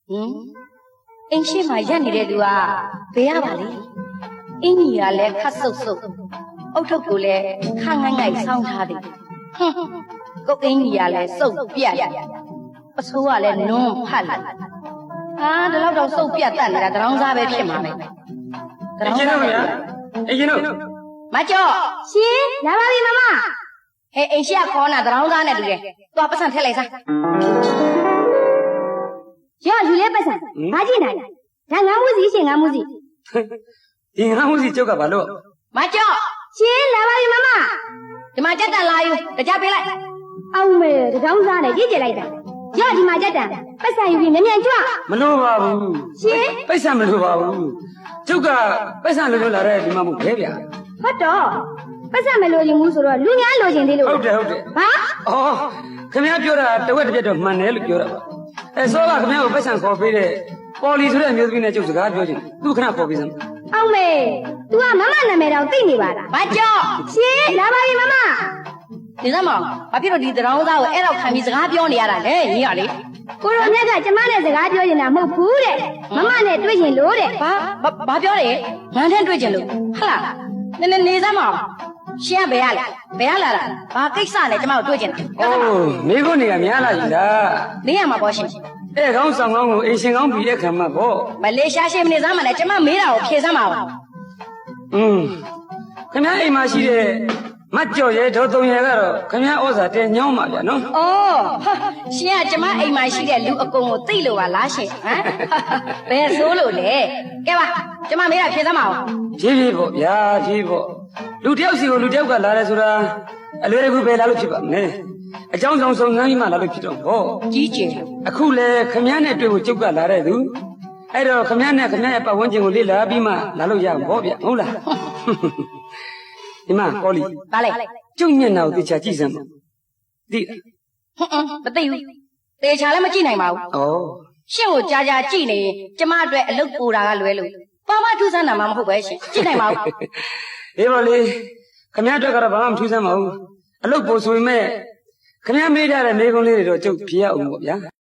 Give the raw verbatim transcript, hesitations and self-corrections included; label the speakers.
Speaker 1: အင်းရှိမှရက်နေတဲ့သူကဘယ်ရပါလဲအင်းကြီးကလည်းခတ်ဆုပ်ဆုပ်အုတ်ထုပ်ကိုလည်းခငိုင်းငိုင်းဆောင်းထားတယ်ဟွန်းကိုအင်းကြီးကလည်းစုပ်ပြတ်အဆိုးကလည်းနွန်းဖတ်လိုက်ဟာဒီလောက်တော့စုပ်ပြတ်တတ်နေတာတရောင်းစားပဲဖြစ်မှာပဲ
Speaker 2: တရောင်းစားဗျာအရင်တော့
Speaker 1: မကျော်
Speaker 3: ရှင်လာပါပြီမမ
Speaker 1: ဟဲ့အင်းရှိကခေါ်နာတရောင်းစားနဲ့တူတယ်သွားပတ်စံထည့်လိုက်စား
Speaker 3: ရယူလဲပတ်စံဘာကြည့်နိုင်ဒါငါမှုစီရှင်ငါမှုစီ
Speaker 2: ဒီငါမှုစီကျုပ်ကဘာလို့
Speaker 1: မကျော်
Speaker 3: ရှင်လာပါပြီမမ
Speaker 1: ဒီမှာကြက်တန်လာယူတကြပေးလိုက်
Speaker 3: အောင်မေတကောင်းစားနဲ့ကြည့်ကြလိုက်တာရဒီမှာကြက်တန်ပတ်စံယူပြီးမြန်မြန်ကြွ
Speaker 2: မလို့ပါဘူး
Speaker 3: ရှင်
Speaker 2: ပတ်စံမလို့ပါဘူးကျုပ်ကပတ်စံလို့လို့လာတဲ့ဒီမှာမဟုတ်ခဲဗျာ
Speaker 3: ဟုတ်တော့ပတ်စံမလို့ရင်ဘူးဆိုတော့လူများလိုချင်သေးလို့
Speaker 2: ဟုတ်တယ်ဟုတ်တယ်
Speaker 3: ဘာ
Speaker 2: အော်ခင်ဗျားပြောတာတဝက်တစ်ပြက်တော့မှန်တယ်လို့ပြောတာပါအဲစောကခင်ဗျားကိုပတ်စံခေါ်ပေးတဲ့ပေါ်လီဆိုတဲ့အမျိုးသမီးနဲ့ကျုပ်စကားပြောချင်သူခဏခေါ်ပေးစမ်း
Speaker 3: အောင်မေ तू ကမမနာမည်တော့သိနေပါလား
Speaker 1: မကျော်
Speaker 3: ရှင်လာပါပြီမမ
Speaker 1: ဒီစမ်းမဘာဖြစ်လို့ဒီတရောင်းသားကိုအဲ့တော့ခံပြီးစကားပြောနေရတာလဲညီရလေ
Speaker 3: ကိုရောမြတ်ကကျမနဲ့စကားပြောနေတာမဟုတ်ဘူးတဲ့မမနဲ့တွေ့ရင်လို့တဲ့
Speaker 1: ဘာဘာပြောတယ်ငန်းတဲ့တွေ့ချင်လို့ဟလားနည်းနည်းနေစမ်းမရှင်ကဘယ်ရလဲဘယ်ရလာတာဘာကိစ္စလဲကျမတို့တွေ့ချင်တာ
Speaker 2: အိုးမိဖို့နေရများလာပြီလား
Speaker 1: နေရမှာပေါ့ရှင်
Speaker 2: အဲ့ကောင်းဆောင်ကောင်းကိုအင်ရှင်ကောင်းပြီးတဲ့ခံမှာပေါ့
Speaker 1: မလေးရှားရှင်မနေစမ်းမလဲကျမမေးတာကိုဖြေစမ်းပါဦး
Speaker 2: อืมခင်ဗျားအိမ်မှာရှိတဲ့မကြော်ရဲဒေါ်သုံးရဲကတော့ခင်ဗျားဩဇာတဲညောင်းပါဗျာနော်
Speaker 1: ဩရှင်ကကျမအိမ်မှာရှိတဲ့လူအကုန်ကိုသိလို့ပါလားရှင်ဟမ်ဘယ်ဆိုးလို့လဲကဲပါကျမမေးတာဖြေစမ်းပါဦး
Speaker 2: ဖြည်းဖြည်းပေါ့ဗျာဖြည်းပေါ့လူတယောက်စီကိုလူတယောက်ကလာတယ်ဆိုတာအလွယ်တကူပဲလာလို့ဖြစ်ပါမယ်အကြောင်းဆောင်ဆုံးနှမ်းပြီးမှလာလို့ဖြစ်တော့ဟော
Speaker 1: ကြီးကျယ်
Speaker 2: အခုလေခမည်းနဲ့တွေ့ဖို့ကျုပ်ကလာတဲ့သူအဲ့တော့ခမည်းနဲ့ခမည်းရဲ့ပတ်ဝန်းကျင်ကိုလေ့လာပြီးမှလာလို့ရမှာပေါ့ဗျဟုတ်လားဒီမှာကောလီ
Speaker 1: ပါလေ
Speaker 2: ကျုပ်မျက်နှာကိုသေချာကြည့်စမ်းပါသိလား
Speaker 1: ဟွန်းမသိဘူးသေချာလည်းမကြည့်နိုင်ပါဘူး
Speaker 2: ဩ
Speaker 1: ရှင့်ကိုကြာကြာကြည့်နေကျမအတွက်အလုပ်ပူတာကလွဲလို့ဘာမှထူးဆန်းတာမှမဟုတ်ပဲရှင်ကြည့်နိုင်ပါဘူး
Speaker 2: အေးပါလေခမည်းအတွက်ကတော့ဘာမှမထူးဆန်းပါဘူးအလုပ်ပူဆိုပေမဲ့ခင်ဗျားမေးထားတဲ့မေးခွန်းလေးတွေတော့ကျုပ်ဖြေရအောင်ပေါ့ဗျာ